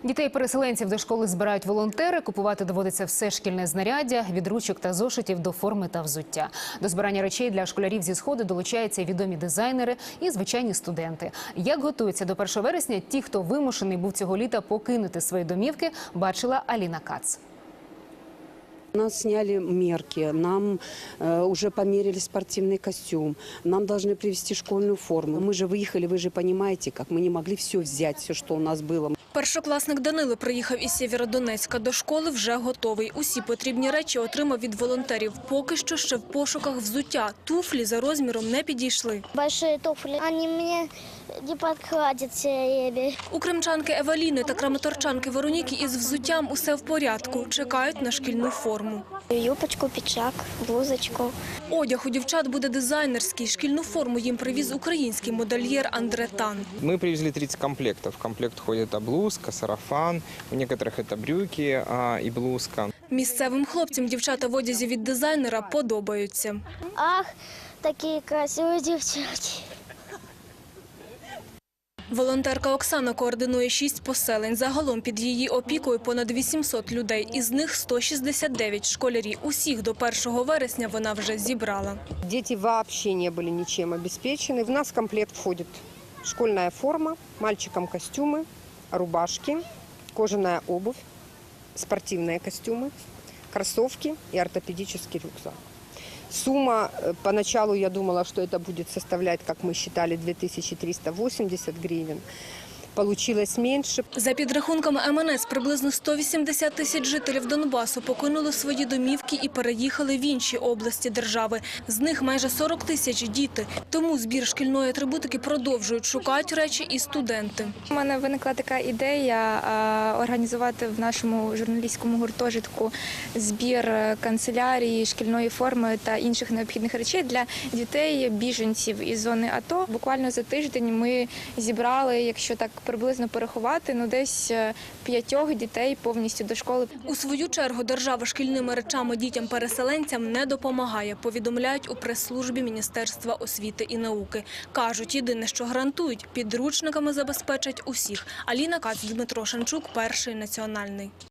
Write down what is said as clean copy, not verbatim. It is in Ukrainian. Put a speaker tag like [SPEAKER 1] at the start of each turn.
[SPEAKER 1] Дітей-переселенців до школи збирають волонтери, купувати доводиться все шкільне знаряддя, від ручок та зошитів до форми та взуття. До збирання речей для школярів зі Сходу долучаються відомі дизайнери і звичайні студенти. Як готуються до 1 вересня ті, хто вимушений був цього літа покинути свої домівки, бачила Аліна Кац.
[SPEAKER 2] Нас сняли мерки, нам уже померили спортивный костюм, нам должны привезти школьную форму. Мы же выехали, вы же понимаете, как мы не могли все взять, все, что у нас было.
[SPEAKER 3] Першокласник Данило приїхав із Сєвєродонецька. До школи вже готовий. Усі потрібні речі отримав від волонтерів. Поки що ще в пошуках взуття. Туфлі за розміром не підійшли.
[SPEAKER 4] Большие туфли, они мне не подходят себе.
[SPEAKER 3] У кримчанки Евеліни та краматорчанки Вероніки із взуттям усе в порядку. Чекають на шкільну форму.
[SPEAKER 4] Юбочку, пиджак, блузочку.
[SPEAKER 3] Одяг у дівчат буде дизайнерський. Шкільну форму їм привіз український модельєр Андре Тан.
[SPEAKER 5] Мы привезли 30 комплектов. В комплект входит блузка, сарафан, у некоторых это брюки и блузка.
[SPEAKER 3] Місцевим хлопцям дівчата в одязі від дизайнера подобаються.
[SPEAKER 4] Ах, такие красивые девчонки.
[SPEAKER 3] Волонтерка Оксана координує 6 поселень. Загалом під її опікою понад 800 людей. Із них 169 школярі. Усіх до 1 вересня вона вже зібрала.
[SPEAKER 6] Дети вообще не были ничем обеспечены. В нас в комплект входит школьная форма, мальчикам костюмы, рубашки, кожаная обувь, спортивные костюмы, кроссовки и ортопедический рюкзак. Сумма, поначалу я думала, что это будет составлять, как мы считали, 2380 гривен. Получилось меньше.
[SPEAKER 3] За підрахунками МНС, приблизно 180 тисяч жителів Донбасу покинули свої домівки і переїхали в інші області держави. З них майже 40 тисяч – діти. Тому збір шкільної атрибутики продовжують, шукають речі і студенти.
[SPEAKER 7] У мене виникла така ідея організувати в нашому журналістському гуртожитку збір канцелярії, шкільної форми та інших необхідних речей для дітей-біженців із зони АТО. Буквально за тиждень ми зібрали, якщо так приблизно порахувати, десь 5 дітей повністю до школи.
[SPEAKER 3] У свою чергу держава шкільними речами дітям-переселенцям не допомагає, повідомляють у прес-службі Міністерства освіти і науки. Кажуть, єдине, що гарантують – підручниками забезпечать усіх. Аліна Кац, Дмитро Шанчук, Перший національний.